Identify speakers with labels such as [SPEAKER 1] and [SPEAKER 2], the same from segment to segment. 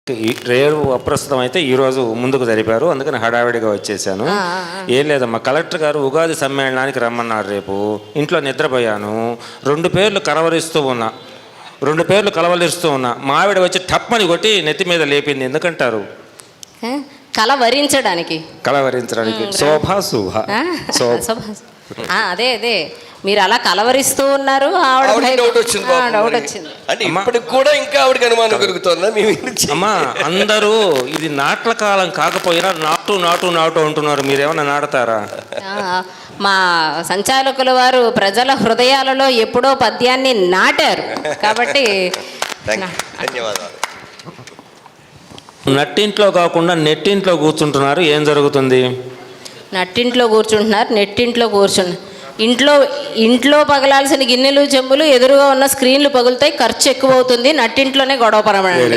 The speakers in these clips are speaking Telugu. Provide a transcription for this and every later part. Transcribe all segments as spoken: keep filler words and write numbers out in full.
[SPEAKER 1] రేపు అప్రస్తుతం అయితే ఈరోజు ముందుకు జరిపారు, అందుకని హడావిడిగా వచ్చేసాను. ఏం లేదమ్మా, కలెక్టర్ గారు ఉగాది సమ్మేళనానికి రమ్మన్నారు. రేపు ఇంట్లో నిద్రపోయాను, రెండు పేర్లు కలవరిస్తూ ఉన్నా రెండు పేర్లు కలవరిస్తూ ఉన్నా మా ఆవిడ వచ్చి టప్పని కొట్టి నెత్తి మీద లేపింది. ఎందుకంటారు?
[SPEAKER 2] కలవరించడానికి
[SPEAKER 1] కలవరించడానికి శోభా శుభ శోభ.
[SPEAKER 2] అదే అదే మీరు అలా కలవరిస్తూ ఉన్నారు. ఆవిడ
[SPEAKER 3] డౌట్ వచ్చింది
[SPEAKER 2] డౌట్ వచ్చింది
[SPEAKER 3] అంటే ఇప్పటికి కూడా ఇంకా ఆవిడకి అనుమానం కలుగుతుందా?
[SPEAKER 1] అమ్మా, అందరూ ఇది నాట్ల కాలం కాకపోయినా నాటు నాటు నాటు అంటున్నారు, మీరేమన్నా నాడతారా?
[SPEAKER 2] మా సంచాలకుల వారు ప్రజల హృదయాలలో ఎప్పుడో పద్యాన్ని నాటారు కాబట్టి
[SPEAKER 3] ధన్యవాదాలు.
[SPEAKER 1] నట్టింట్లో కాకుండా నెట్టింట్లో కూర్చుంటున్నారు, ఏం జరుగుతుంది?
[SPEAKER 2] నట్టింట్లో కూర్చుంటున్నారు, నెట్టింట్లో కూర్చుంటున్నారు. ఇంట్లో ఇంట్లో పగలాల్సిన గిన్నెలు చెంబులు ఎదురుగా ఉన్న స్క్రీన్లు పగులుతాయి, ఖర్చు ఎక్కువ అవుతుంది. నట్టింట్లోనే గొడవ పడమండి.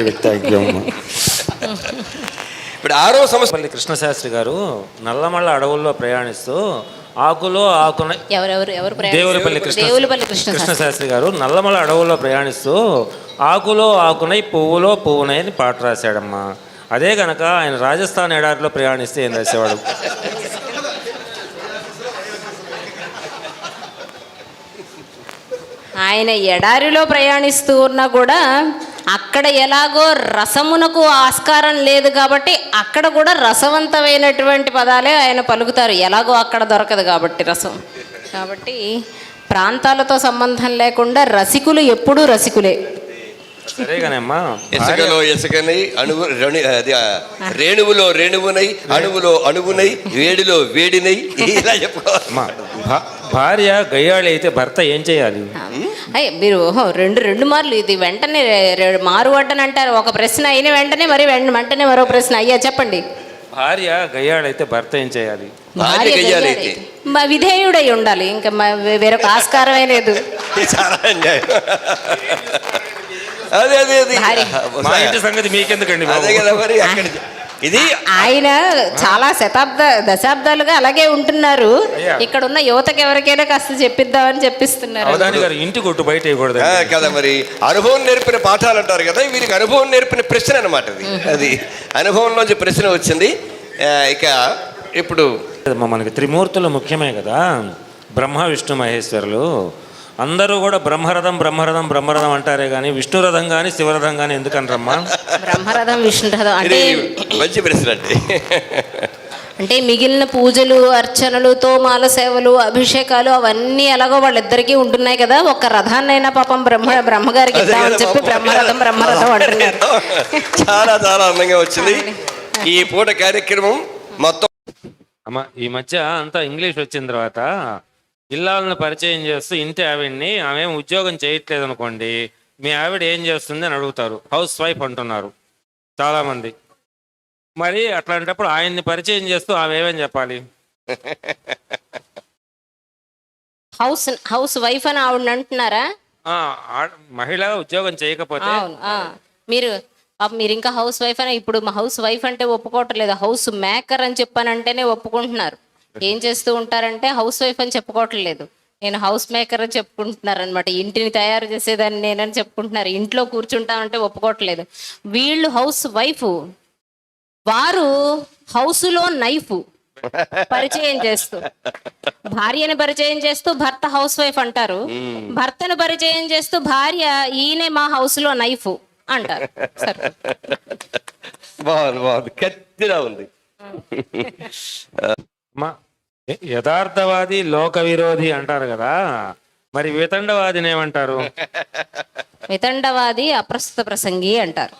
[SPEAKER 3] ఇప్పుడు ఆరో సంవత్సరం
[SPEAKER 1] కృష్ణశాస్త్రి గారు నల్లమల్ల అడవుల్లో ప్రయాణిస్తూ ఆకులో ఆకున
[SPEAKER 2] ఎవరెవరు ఎవరు
[SPEAKER 1] దేవులపల్లి
[SPEAKER 2] దేవులపల్లి
[SPEAKER 1] కృష్ణశాస్త్రి గారు నల్లమల్ల అడవుల్లో ప్రయాణిస్తూ ఆకులో ఆకునై పువ్వులో పువ్వునై అని పాట రాశాడమ్మా. అదే గనక ఆయన రాజస్థాన్ ఎడారిలో ప్రయాణిస్తే ఏం రాసేవాడు?
[SPEAKER 2] ఆయన ఎడారిలో ప్రయాణిస్తూ ఉన్నా కూడా అక్కడ ఎలాగో రసమునకు ఆస్కారం లేదు కాబట్టి అక్కడ కూడా రసవంతమైనటువంటి పదాలే ఆయన పలుకుతారు. ఎలాగో అక్కడ దొరకదు కాబట్టి రసం. కాబట్టి ప్రాంతాలతో సంబంధం లేకుండా రసికులు ఎప్పుడూ రసికులే.
[SPEAKER 1] సరేగానమ్మా,
[SPEAKER 3] ఇసుకలో ఇసుకనై అణువు రేణువులో రేణువునై అణువులో అణువునై వేడిలో వేడినై ఇలా చెప్పుకోవాలమ్మా.
[SPEAKER 1] భార్య గయ్యాళి అయితే భర్త ఏం చేయాలి?
[SPEAKER 2] అయ్యి మీరు రెండు రెండు మార్లు ఇది వెంటనే మారు వడ్డని అంటారు. ఒక ప్రశ్న అయిన వెంటనే మరి వెంటనే మరో ప్రశ్న. అయ్యా చెప్పండి.
[SPEAKER 1] భార్య గయ్యాళి అయితే భర్త ఏం చేయాలి?
[SPEAKER 2] విధేయుడై ఉండాలి, ఇంకా వేరొక ఆస్కారమే లేదు.
[SPEAKER 3] అదే అదే అది
[SPEAKER 1] మా ఇంటి సంగతి మీకెందుకండి?
[SPEAKER 3] అదే కదా మరి. అక్కడ ఇది
[SPEAKER 2] ఆయన చాలా శతాబ్ద దశాబ్దాలుగా అలాగే ఉంటున్నారు. ఇక్కడ ఉన్న యువతకి ఎవరికైనా కాస్త చెప్పిద్దామని చెప్పిస్తున్నారు.
[SPEAKER 1] ఇంటి కొట్టు బయట
[SPEAKER 3] కదా మరి. అనుభవం నేర్పిన పాఠాలు అంటారు కదా, వీరికి అనుభవం నేర్పిన ప్రశ్న అనమాట అది. అది అనుభవంలోంచి ప్రశ్న వచ్చింది. ఇక ఇప్పుడు
[SPEAKER 1] మనకి త్రిమూర్తులు ముఖ్యమే కదా, బ్రహ్మ విష్ణు మహేశ్వరులు. అందరూ కూడా బ్రహ్మరథం బ్రహ్మరథం బ్రహ్మరథం అంటారే కానీ విష్ణురథం కానీ శివరథం కానీ ఎందుకంటారమ్మా?
[SPEAKER 2] బ్రహ్మరథం విష్ణురథం అంటే
[SPEAKER 3] మంచి ప్రశ్న. అంటే
[SPEAKER 2] అంటే మిగిలిన పూజలు అర్చనలు తోమాల సేవలు అభిషేకాలు అవన్నీ ఎలాగో వాళ్ళిద్దరికీ ఉంటున్నాయి కదా, ఒక రథాన్నైనా పాపం బ్రహ్మ బ్రహ్మగారికి ఇద్దామని చెప్పి బ్రహ్మరథం బ్రహ్మరథం అంటున్నారు.
[SPEAKER 3] చాలా చాలా అందంగా వచ్చింది ఈ పూట కార్యక్రమం మొత్తం.
[SPEAKER 1] అమ్మ, ఈ మధ్య అంతా ఇంగ్లీష్ వచ్చిన తర్వాత ఇల్లాలను పరిచయం చేస్తూ ఇంటి ఆవిడ్ని ఆమె ఉద్యోగం చేయట్లేదు అనుకోండి, మీ ఆవిడ ఏం చేస్తుంది అని అడుగుతారు. హౌస్ వైఫ్ అంటున్నారు చాలామంది. మరి అట్లాంటప్పుడు ఆయన్ని పరిచయం చేస్తూ ఆమె ఏమని చెప్పాలి?
[SPEAKER 2] హౌస్ హౌస్ వైఫ్ అని ఆవిడ అంటున్నారా?
[SPEAKER 1] మహిళ ఉద్యోగం చేయకపోతే
[SPEAKER 2] మీరు మీరు ఇంకా హౌస్ వైఫ్ అని, ఇప్పుడు మా హౌస్ వైఫ్ అంటే ఒప్పుకోవట్లేదు, హౌస్ మేకర్ అని చెప్పానంటేనే ఒప్పుకుంటున్నారు. ఏం చేస్తూ ఉంటారంటే హౌస్ వైఫ్ అని చెప్పుకోవట్లేదు, నేను హౌస్ మేకర్ అని చెప్పుకుంటున్నారు అనమాట. ఇంటిని తయారు చేసేదాన్ని నేనని చెప్పుకుంటున్నారు. ఇంట్లో కూర్చుంటామంటే ఒప్పుకోవట్లేదు. వీళ్ళు హౌస్ వైఫ్, వారు హౌస్లో నైఫ్ పరిచయం చేస్తూ, భార్యను పరిచయం చేస్తూ భర్త హౌస్ వైఫ్ అంటారు, భర్తను పరిచయం చేస్తూ భార్య ఈయనే మా హౌస్ లో నైఫ్ అంటారు.
[SPEAKER 3] బాగుంది బాగుంది, కత్తిలా ఉంది.
[SPEAKER 1] యథార్థవాది లోక విరోధి అంటారు కదా, మరి వితండవాదిని ఏమంటారు?
[SPEAKER 2] వితండవాది అప్రస్తుత ప్రసంగి అంటారు.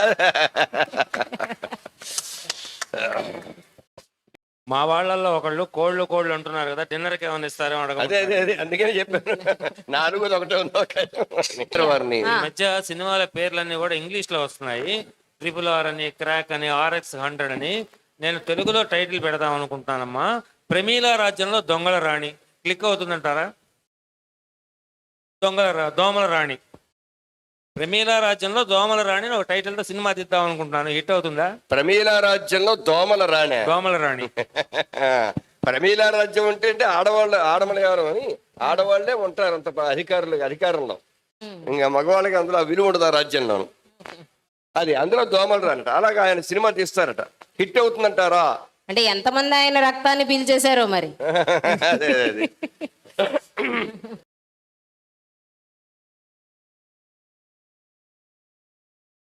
[SPEAKER 1] మా వాళ్ళల్లో ఒకళ్ళు కోళ్ళు కోళ్ళు అంటున్నారు కదా, డిన్నర్కి ఏమైనా ఇస్తారేమో
[SPEAKER 3] అదే అదే అదే అందుకనే చెప్పాను. నాలుగు ఒకటే ఉంది.
[SPEAKER 1] ఈ మధ్య సినిమాల పేర్లన్నీ కూడా ఇంగ్లీష్ లో వస్తున్నాయి. ట్రిపుల్ ఆర్ అని, క్రాక్ అని, ఆర్ఎక్స్ హండ్రెడ్ అని. నేను తెలుగులో టైటిల్ పెడదాం అనుకుంటానమ్మా, ప్రమీలా రాజ్యంలో దొంగల రాణి. క్లిక్ అవుతుందంటారా? దొంగల దోమల రాణి, ప్రమీలా రాజ్యంలో దోమల రాణి ఒక టైటిల్ తో సినిమా తీద్దాం అనుకుంటున్నాను. హిట్ అవుతుందా?
[SPEAKER 3] ప్రమీలా రాజ్యంలో దోమల రాణి.
[SPEAKER 1] దోమల రాణి
[SPEAKER 3] ప్రమీలా రాజ్యం అంటే అంటే ఆడవాళ్ళు ఆడమని గారు అని ఆడవాళ్లే ఉంటారు అంత అధికారులు అధికారంలో. ఇంకా మగవాళ్ళకి అందులో విలువ ఉండదు ఆ రాజ్యంలోను. అది అందులో దోమలు రానట. అలాగా ఆయన సినిమా తీస్తారట. హిట్ అవుతుందంటారా?
[SPEAKER 2] అంటే ఎంతమంది ఆయన రక్తాన్ని పీల్చేశారో మరి.
[SPEAKER 3] అదే అదే